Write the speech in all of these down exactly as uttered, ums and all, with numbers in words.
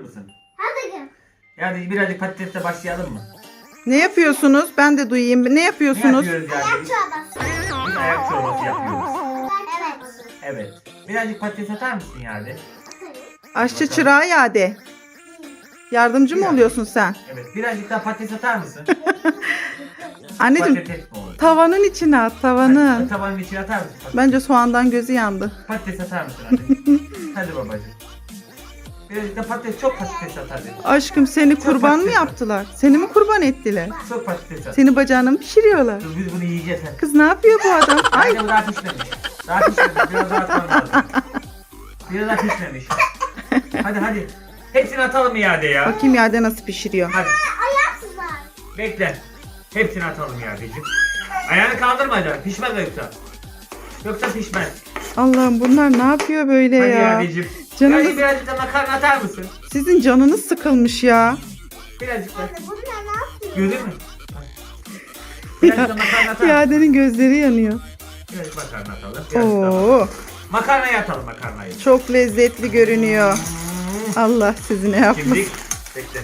mısın? Hadi. Yani birazcık patatesle başlayalım mı? Ne yapıyorsunuz? Ben de duyayım. Ne Ne yapıyorsunuz? yapıyoruz yani? Ayak Biz, çorbası. biz ayak çorbası yapıyoruz. Evet. Evet. Birazcık patates atar mısın yani? Aşçı çırağı Yade. Yardımcı mı Biraz. oluyorsun sen? Evet. Birazcık daha patates atar mısın? Anneciğim Patates mi olur? tavanın içine at Hadi, tavanın. tavanın içine atar mısın? Patates, Bence soğandan gözü yandı. patates atar mısın hadi? Hadi babacığım. Birazcık da patates, çok patates at hadi. Aşkım seni kurban mı patates var. yaptılar? Seni mi kurban ettiler? Çok patates at. Seni bacağını mı pişiriyorlar? Dur biz bunu yiyeceğiz hadi. Kız ne yapıyor bu adam? Ay Ay. Bu daha pişmemiş. Daha pişmemiş. Biraz daha atmam lazım. Biraz daha pişmemiş. Hadi hadi. Hepsini atalım iade ya. bakayım Yade nasıl pişiriyor. Hadi Ayaksızlar. bekle. Hepsini atalım iadeciğim. Ayağını kaldırma canım. Pişmez yoksa. Yoksa pişmez. Allah'ım bunlar ne yapıyor böyle Hadi ya? iadeciğim. Canınız- Yani birazcık da makarna atar mısın? Sizin canınız sıkılmış ya. Birazcık da. Bunlar ne yapıyor? Gördün mü? Birazcık da makarna atar mısın? Yade'nin gözleri yanıyor. Birazcık makarna atalım. Birazcık da. Oo, Makarnayı atalım makarnayı. çok lezzetli görünüyor. Allah sizi ne yapmasın. Şimdi bekle.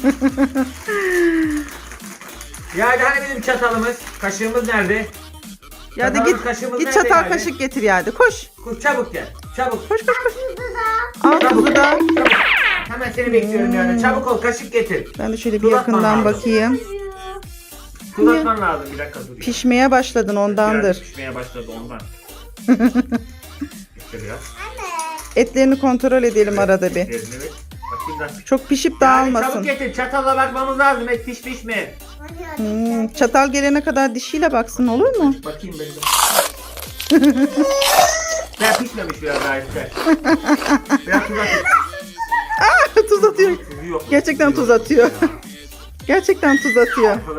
Yani hani bizim çatalımız, kaşığımız nerede? Yade Çatalımız, git kaşığımız git nerede çatal yani? kaşık getir Yade. Koş. Koş çabuk gel. Çabuk. Koş koş koş. Burada. Al tuzu da. Çabuk. Hemen seni bekliyorum yani. Çabuk ol, kaşık getir. Ben de şöyle bir Tuz atman yakından lazım. bakayım. Tuz atman lazım, bir dakika dur. ya. Pişmeye başladın Biraz ondandır. pişmeye başladı ondan. İşte biraz. Anne. Etlerini kontrol edelim arada bir. Evet. Bakayım da. Çok pişip Yani dağılmasın. çabuk getir, çatalla bakmamız lazım. Et piş piş mi? Hadi Hmm, çatal gelene kadar dişiyle baksın olur mu? Bakayım ben de. Ben pişmemiş biraz daha işte. Biraz tuz atayım. Tuz atıyor. Tuzu yok. Gerçekten Tuzu tuz yok. atıyor. Gerçekten tuz atıyor. Yapalım.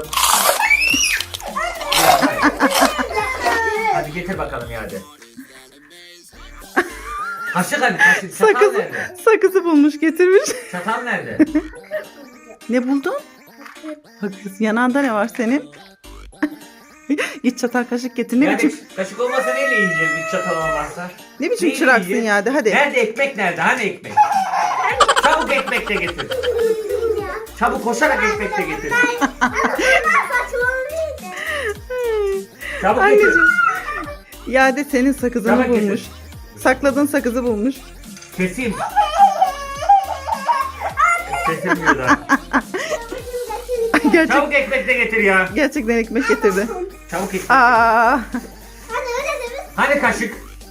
Hadi getir bakalım ya hadi. Kaşık hadi kaşık. Çatal Sakız, nerede? sakızı bulmuş getirmiş. Çatal nerede? Ne buldun? Sakız. Yanağında ne var senin? Git çatal kaşık getir. Ne Yani biçim kaşık olmasa neyle yiyeceğiz bir çatal olmazsa? ne biçim Neyle çıraksın yiyeceğiz? ya de hadi. Nerede ekmek nerede? Hani ekmek? Çabuk ekmek de getir. Çabuk koşarak ekmek de getir. Çabuk getir. Anneciğim. Ya de senin sakızını Çabuk getir. bulmuş. Sakladığın sakızı bulmuş. Keseyim. Kesilmiyor da. Gerçek, Çabuk ekmek de getir ya. gerçekten ekmek getirdi. Çabuk ekmek. Aa, Hani kaşık?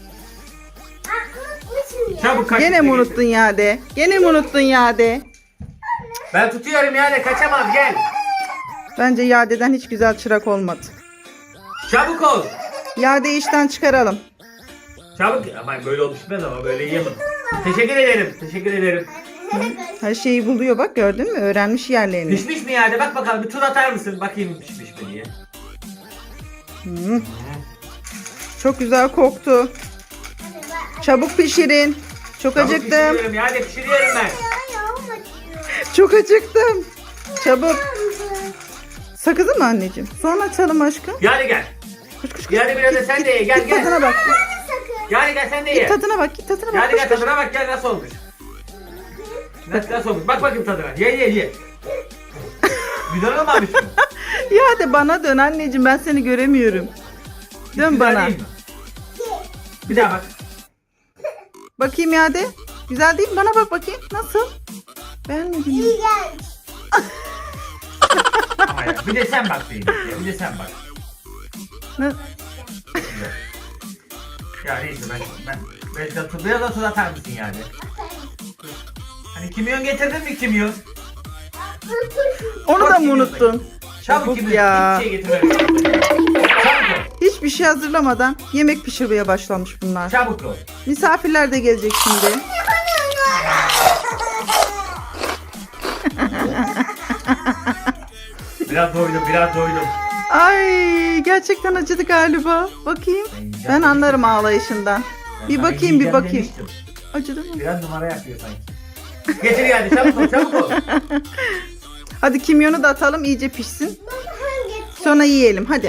Çabuk kaşık gene da mi getir. unuttun ya de? Gene mi unuttun ya de? Ben tutuyorum yani kaçamaz gel. Bence Yade'den hiç güzel çırak olmadı. Çabuk ol. Yade'yi işten çıkaralım. Çabuk. Ama böyle olmuş bitmez ama böyle yiyemem. Teşekkür ederim. Teşekkür ederim. Her şeyi buluyor bak gördün mü? Öğrenmiş yerlerini. Pişmiş mi yani? Bak bakalım bir tuz atar mısın? Bakayım pişmiş mi diye. Hı. Çok güzel koktu. Çabuk pişirin. Çok Çabuk acıktım. pişiriyorum yani pişiriyorum ben. Çok acıktım. Çabuk. Sakızı mı anneciğim? Sonra açalım aşkım. Yani gel. Koş koş koş. Yani biraz da sen de ye. Gel Git tadına gel. bak. Yani gel sen de Git ye. tadına bak. Git tadına bak. Yani Koş, gel koş. tadına bak gel nasıl olmuş. Nasıl, nasıl olmuş? Bak bakayım tadına. Ye ye ye. Güzel olmamış mı? Ya de bana dön anneciğim ben seni göremiyorum. Dön Güzel bana. değil mi? Bir daha bak. Bakayım ya de. Güzel değil mi? Bana bak bakayım. Nasıl? Beğenmedin mi? Ama ya, bir de sen bak diyeyim. Ya, bir de sen bak. Ne? Güzel. Ya neyse ben ben ben de tuz, biraz da tuz atar mısın yani? Hani kimyon getirdin mi kimyon? Onu da Bak, mı kimyon unuttun? Çabuk Çabuk kimyon. ya. Hiçbir şey getirmemiş. Çabuk ol. Hiçbir şey hazırlamadan yemek pişirmeye başlamış bunlar. Çabuk ol. Misafirler de gelecek şimdi. Biraz doydum, biraz doydum. Ay gerçekten acıdı galiba. Bakayım. Ben yiyeceğim Ben anlarım demiştim. ağlayışından. Ben Bir sana bakayım bir yiyeceğim bakayım. demiştim. Acıdı mı? Biraz numara yapıyor sanki. Getir yani çabuk ol, çabuk ol. Hadi kimyonu da atalım iyice pişsin. Sonra yiyelim hadi.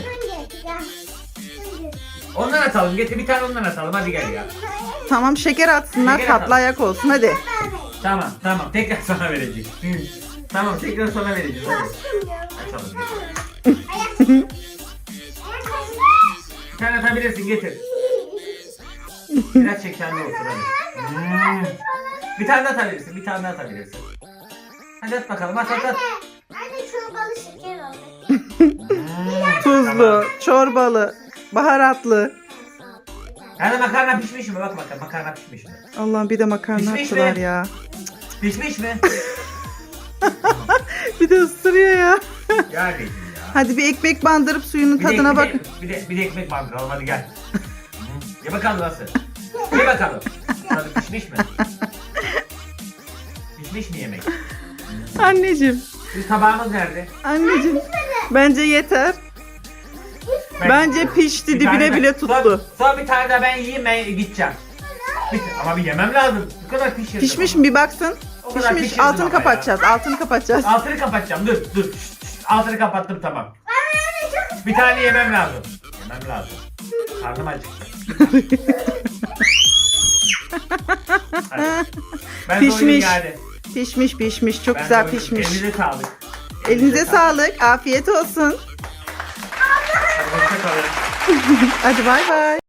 Ondan atalım, getir bir tane ondan atalım hadi gel ya. Tamam şeker atsınlar Şeker atalım. tatlı ayak olsun hadi. Tamam tamam tekrar sana vereceğiz. Hı. Tamam tekrar sana vereceğiz. Hadi. Açalım. Bir tane atabilirsin getir. Biraz şekerli olsun hadi. Hmm. Bir tane daha atabilirsin. Bir tane daha atabilirsin. Hadi at bakalım at at at. Anne çorbalı şeker oldu. Hmm. Tuzlu, Tamam. çorbalı, baharatlı. Yani makarna pişmiş mi? Bak bakalım makarna pişmiş mi? Allah'ım bir de makarna Pişmiş attılar mi? ya. Pişmiş mi? Bir de ısırıyor ya. Yani ya. Hadi bir ekmek bandırıp suyunun Bir de- tadına bir bak. de- Bir de, bir de ekmek bandıralım hadi gel. Hı. Ye bakalım nasıl? Ye bakalım. Tadı pişmiş mi? Pişmiş mi yemek? Anneciğim, Biz tabağımız nerede? anneciğim. Bence yeter. Bence pişti, Bir dibine tane de- bile Son, tuttu. son bir tane de ben yiyeyim ben gideceğim. Bir- ama bir yemem lazım. Bu kadar pişirdim. Pişmiş ama. mi bir baksın. O kadar Pişmiş. pişirdim Altını ama ya. kapatacağız. Altını kapatacağız. Altını kapatacağım dur dur. Şşt, şşt. Altını kapattım tamam. Bir tane yemem lazım. Yemem lazım. Karnım acıktı. Hadi. Ben Pişmiş. doydum yani. Pişmiş pişmiş. Çok Ben güzel doydum. pişmiş. Elinize sağlık. Elinize sağlık. Afiyet olsun. Hoşça kalın. Hadi bay bay.